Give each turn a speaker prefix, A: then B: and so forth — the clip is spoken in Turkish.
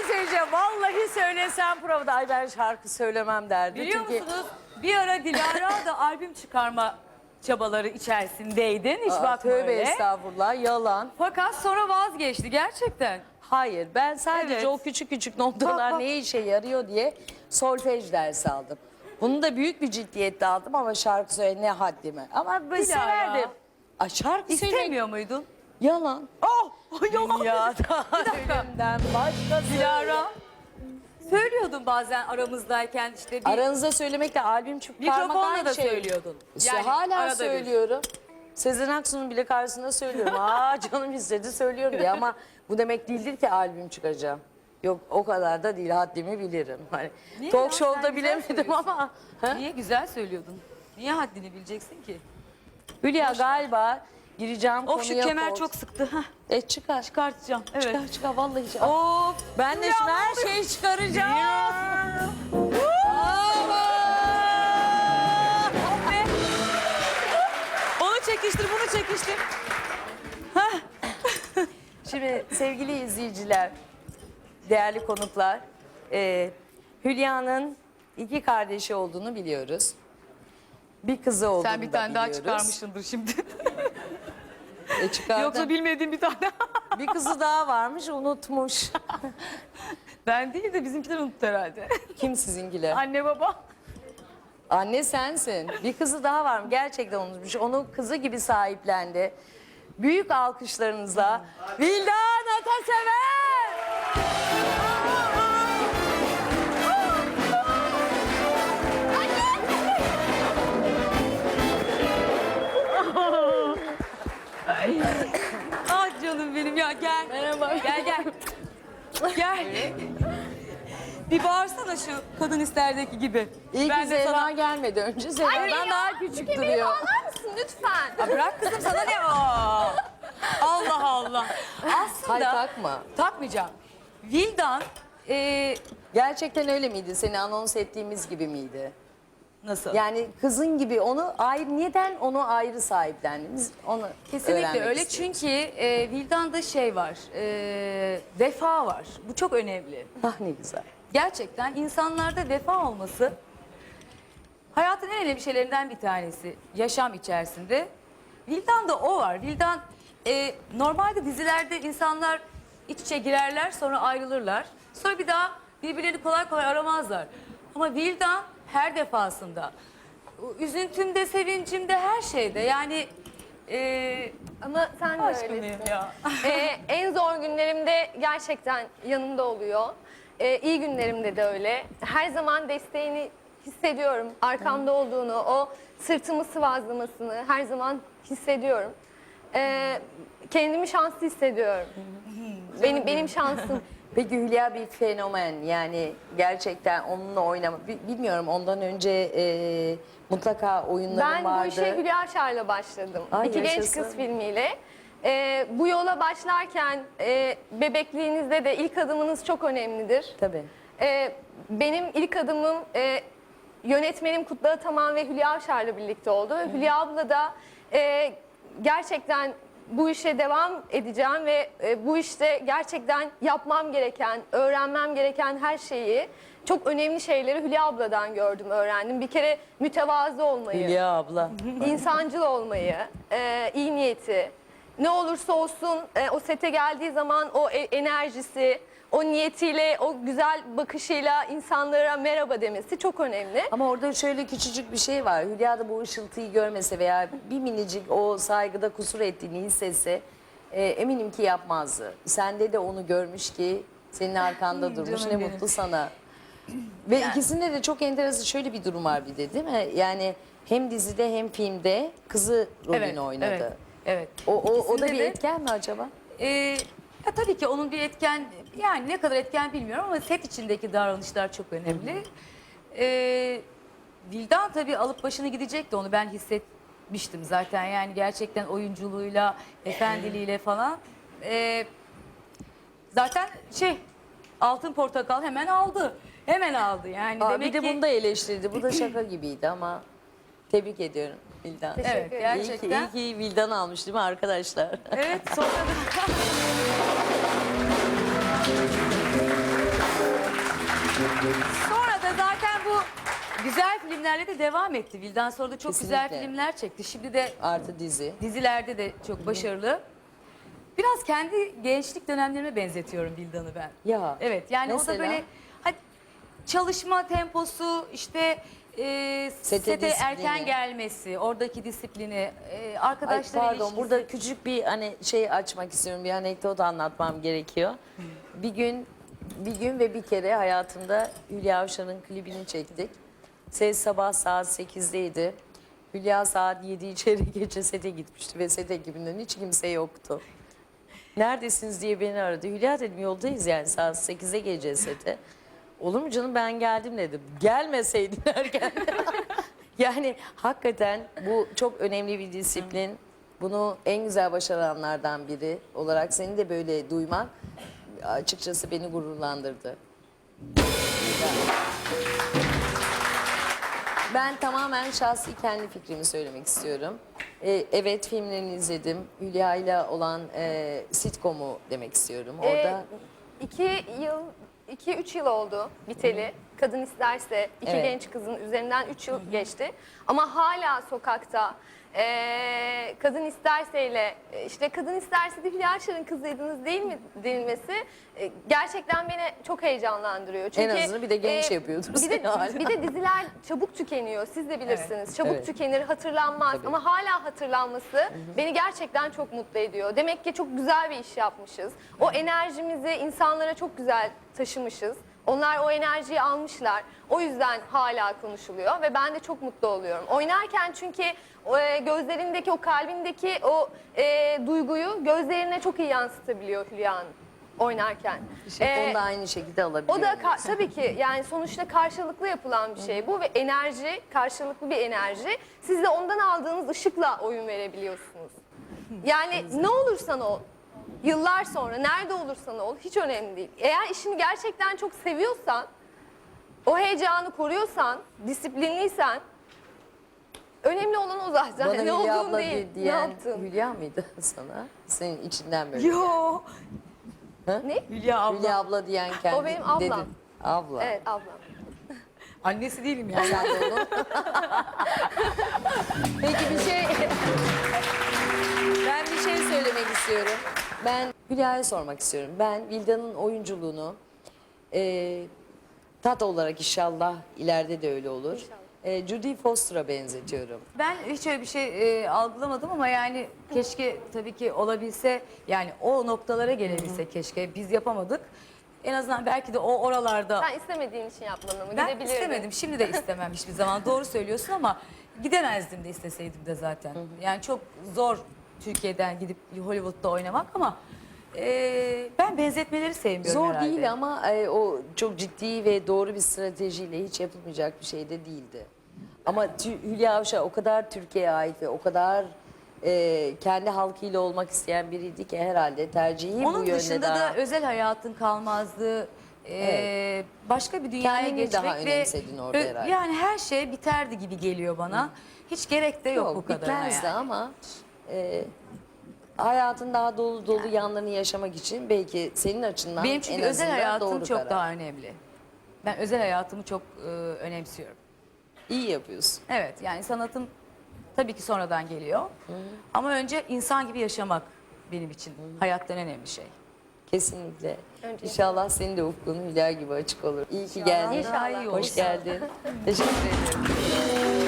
A: şey söyleyeceğim. Vallahi söylesem provada ay ben şarkı söylemem derdi.
B: Biliyor
A: Çünkü...
B: musunuz? Bir ara Dilara da albüm çıkarma çabaları içerisindeydin. Hiç bakma
A: Tövbe
B: öyle.
A: estağfurullah yalan.
B: Fakat sonra vazgeçti gerçekten.
A: Hayır ben sadece
B: Evet.
A: o küçük küçük noktalar
B: Bak.
A: ne işe yarıyor diye solfej dersi aldım. Bunu da büyük bir ciddiyetle aldım ama şarkı söyle ne haddime. Ama ben
B: Dilara.
A: severdim. Ay şarkı söylemek
B: İstemiyor muydun?
A: yalan.
B: Oh! Yalan.
A: Dünyada ölümden başkası.
B: Dilara. Söylüyordun bazen aramızdayken işte bir
A: Aranızda söylemekle albüm çıkarmak
B: mikrofonla
A: aynı
B: da
A: şey.
B: söylüyordun.
A: İşte hala
B: arada bir.
A: söylüyorum. Sezen Aksu'nun bile karşısında söylüyorum. Aa canım istedi söylüyorum diye ama bu demek değildir ki albüm çıkacağım. Yok o kadar da değil haddimi bilirim. Hani
B: Niye
A: talk
B: ya? Sen
A: show'da
B: güzel
A: bilemedim
B: söylüyorsun.
A: ama. Ha?
B: Niye güzel söylüyordun? Niye haddini bileceksin ki?
A: Hülya galiba gireceğim
B: Of şu
A: konuya.
B: kemer çok sıktı. Hah,
A: Çıkar.
B: çıkartacağım. Evet.
A: Çıkar vallahi çıkar.
B: Of.
A: Ben de
B: Ya,
A: şimdi
B: ne
A: her
B: oluyor?
A: şeyi çıkaracağım.
B: Be. Onu çekiştir, bunu çekiştir.
A: Şimdi sevgili izleyiciler, değerli konuklar, Hülya'nın 2 kardeşi olduğunu biliyoruz. Bir kızı olduğunu
B: Sen bir
A: da
B: tane daha
A: biliyoruz.
B: çıkarmışsındır şimdi.
A: Çıkardım.
B: Yoksa bilmediğim bir tane.
A: Bir kızı daha varmış unutmuş.
B: Ben değil de bizimkiler unuttu herhalde.
A: Kim sizinkiler?
B: Anne baba.
A: Anne sensin. Bir kızı daha var mı? Gerçekten unutmuş. Onu kızı gibi sahiplendi. Büyük alkışlarınızla Vildan Atasever!
B: Ah canım benim ya gel.
A: Merhaba.
B: Gel gel. Gel. Bir bağırsana şu kadın isterdeki gibi.
A: İyi
B: Ben
A: ki
B: de
A: Zehra
B: sana...
A: gelmedi. Önce Zehra'dan daha küçük duruyor.
C: Bağlar mısın lütfen?
B: Ya bırak kızım sana ne o? Allah Allah. Aslında
A: Hay takma.
B: takmayacağım. Vildan
A: Gerçekten öyle miydi? Seni anons ettiğimiz gibi miydi?
B: nasıl?
A: Yani kızın gibi onu ayrı, neden onu ayrı sahiplendiniz? Onu
B: Kesinlikle
A: öğrenmek
B: öyle
A: istiyorum.
B: çünkü Vildan'da şey var, vefa var. Bu çok önemli.
A: Ah ne güzel.
B: Gerçekten insanlarda vefa olması hayatın en önemli şeylerinden bir tanesi. Yaşam içerisinde. Vildan'da o var. Vildan normalde dizilerde insanlar iç içe girerler sonra ayrılırlar. Sonra bir daha birbirlerini kolay kolay aramazlar. Ama Vildan her defasında üzüntümde, sevincimde, her şeyde yani
C: Ama sen de
B: aşkım
C: öylesin.
B: benim ya.
C: En zor günlerimde gerçekten yanımda oluyor. İyi günlerimde de öyle. Her zaman desteğini hissediyorum. Arkamda olduğunu, o sırtımı sıvazlamasını her zaman hissediyorum. Kendimi şanslı hissediyorum. Benim şansım.
A: Peki Hülya bir fenomen yani gerçekten onunla oynama. Bilmiyorum ondan önce mutlaka oyunların
C: Ben
A: vardı.
C: bu işe Hülya Avşar'la başladım.
A: Ay,
C: İki Genç
A: yaşasın.
C: Kız filmiyle. Bu yola başlarken bebekliğinizde de ilk adımınız çok önemlidir.
A: Tabii.
C: Benim ilk adımım yönetmenim Kutlu Ataman ve Hülya Avşar'la birlikte oldu. Hülya abla da gerçekten bu işe devam edeceğim ve bu işte gerçekten yapmam gereken, öğrenmem gereken her şeyi, çok önemli şeyleri Hülya abladan gördüm, öğrendim. Bir kere mütevazı olmayı,
A: Hülya abla.
C: insancıl olmayı, iyi niyeti, ne olursa olsun o sete geldiği zaman o enerjisi, o niyetiyle, o güzel bakışıyla insanlara merhaba demesi çok önemli.
A: Ama orada şöyle küçücük bir şey var. Hülya da bu ışıltıyı görmese veya bir minicik o saygıda kusur ettiğini hissetse eminim ki yapmazdı. Sende de onu görmüş ki senin arkanda durmuş.
B: canım
A: Ne
B: benim.
A: mutlu sana. Ve ikisinde de çok enteresan şöyle bir durum var bir de değil mi? Yani hem dizide hem filmde kızı rolünü oynadı.
B: Evet, evet.
A: O da
B: İkisinde
A: bir
B: de-
A: etken mi acaba?
B: Ya tabii ki onun bir etken, yani ne kadar etken bilmiyorum ama set içindeki davranışlar çok önemli. Vildan tabii alıp başını gidecekti, onu ben hissetmiştim zaten. Yani gerçekten oyunculuğuyla, efendiliğiyle falan. Zaten Altın Portakal hemen aldı. Hemen aldı yani.
A: Aa,
B: demek
A: bir de
B: ki,
A: bunu da eleştirdi. Bu da şaka gibiydi ama tebrik ediyorum Vildan.
B: evet, gerçekten.
A: İyi ki Vildan almış değil mi arkadaşlar?
B: Evet, sonra da... Sonra da zaten bu güzel filmlerle de devam etti. Vildan sonra da çok güzel
A: Kesinlikle.
B: filmler çekti. Şimdi de
A: Artı dizi.
B: dizilerde de çok başarılı. Biraz kendi gençlik dönemlerime benzetiyorum Vildan'ı ben.
A: Ya,
B: Evet yani o
A: mesela?
B: da böyle hadi, çalışma temposu işte sete
A: disiplini.
B: erken gelmesi, oradaki disiplini,
A: Ay,
B: arkadaşlar
A: pardon
B: ilişkisi.
A: burada küçük bir hani şey açmak istiyorum. Bir anekdot anlatmam gerekiyor. Bir gün ve bir kere hayatımda Hülya Avşar'ın klibini çektik. Ses sabah saat 8'deydi. Hülya saat 7 çeyrek geçe sete gitmişti ve set ekibinden hiç kimse yoktu. Neredesiniz diye beni aradı. Hülya dedim yoldayız yani saat 8'e geleceğiz sete. Olur mu canım ben geldim dedim. Gelmeseydin erken. Yani hakikaten bu çok önemli bir disiplin. Bunu en güzel başaranlardan biri olarak seni de böyle duymak açıkçası beni gururlandırdı. Ben tamamen şahsi kendi fikrimi söylemek istiyorum. Evet filmlerini izledim. Hülya ile olan sitcom'u demek istiyorum. Orada
C: 2-3 yıl oldu biteli. Kadın isterse iki
A: Evet.
C: genç kızın üzerinden 3 yıl geçti. Ama hala sokakta kadın isterseyle işte kadın isterse de Hülya Avşar'ın kızıydınız değil mi denilmesi gerçekten beni çok heyecanlandırıyor. Çünkü
A: azından bir de genç yapıyordur
C: Bir
A: seni hala.
C: bir de diziler çabuk tükeniyor. Siz de bilirsiniz. Çabuk
A: Evet.
C: tükenir, hatırlanmaz.
A: Tabii.
C: Ama hala hatırlanması beni gerçekten çok mutlu ediyor. Demek ki çok güzel bir iş yapmışız. O enerjimizi insanlara çok güzel taşımışız. Onlar o enerjiyi almışlar. O yüzden hala konuşuluyor ve ben de çok mutlu oluyorum. Oynarken çünkü gözlerindeki, o kalbindeki o duyguyu gözlerine çok iyi yansıtabiliyor Hülya Hanım oynarken.
A: Onu da aynı şekilde alabiliyorum.
C: O da tabii ki yani sonuçta karşılıklı yapılan bir şey bu ve enerji, karşılıklı bir enerji. Siz de ondan aldığınız ışıkla oyun verebiliyorsunuz. Yani ne olursan ol, yıllar sonra nerede olursan ol hiç önemli değil. Eğer işini gerçekten çok seviyorsan, o heyecanı koruyorsan, disiplinliysen önemli olan o zaten.
A: Bana
C: ne
A: Hülya
C: olduğun
A: abla
C: değil, ne
A: diyen
C: yaptın.
A: Hülya mıydı sana? Senin içinden böyle.
B: Yo.
C: Ne?
B: Hülya abla.
A: Hülya abla diyen kendi
C: O benim ablam.
A: dedin. Abla.
C: Evet ablam.
B: Annesi değilim yani.
A: Sen de onu. Peki ben bir şey söylemek istiyorum. Ben Hülya'ya sormak istiyorum. Ben Vildan'ın oyunculuğunu tat olarak inşallah ileride de öyle olur. Judy Foster'a benzetiyorum.
B: Ben hiç öyle bir şey algılamadım ama yani keşke tabii ki olabilse yani o noktalara gelebilse keşke biz yapamadık. En azından belki de o oralarda
C: Sen istemediğin için yapmadın mı?
B: ben
C: Gidebilirdin.
B: istemedim. Şimdi de istemem hiçbir zaman. Doğru söylüyorsun ama gidemezdim de isteseydim de zaten. Yani çok zor Türkiye'den gidip Hollywood'da oynamak ama ben benzetmeleri sevmiyorum
A: Zor
B: herhalde.
A: değil ama o çok ciddi ve doğru bir stratejiyle hiç yapılmayacak bir şey de değildi. Ama Hülya Avşar o kadar Türkiye'ye ait ve o kadar kendi halkıyla olmak isteyen biriydi ki herhalde tercihi bu
B: Onun
A: yönde
B: dışında
A: daha...
B: da özel hayatın kalmazdı. Başka bir dünyaya
A: Kendini
B: geçmek
A: daha
B: ve
A: önemsedin orada herhalde.
B: yani her şey biterdi gibi geliyor bana. Hiç gerek de yok, bu kadarına
A: bitmezdi
B: yani.
A: ama hayatın daha dolu dolu yanlarını yaşamak için belki senin açından
B: Benim çünkü
A: en
B: özel
A: azından
B: hayatım
A: doğru
B: çok
A: karar.
B: daha önemli. Ben özel hayatımı çok önemsiyorum.
A: İyi yapıyorsun.
B: Evet yani sanatım tabii ki sonradan geliyor. Ama önce insan gibi yaşamak benim için hayattan önemli şey.
A: Kesinlikle.
C: Önce-
A: İnşallah senin de ufkun Hülya gibi açık olur. İyi ki geldin.
C: İnşallah.
B: Daha iyi
A: Hoş
B: olsun.
A: geldin. Teşekkür ederim.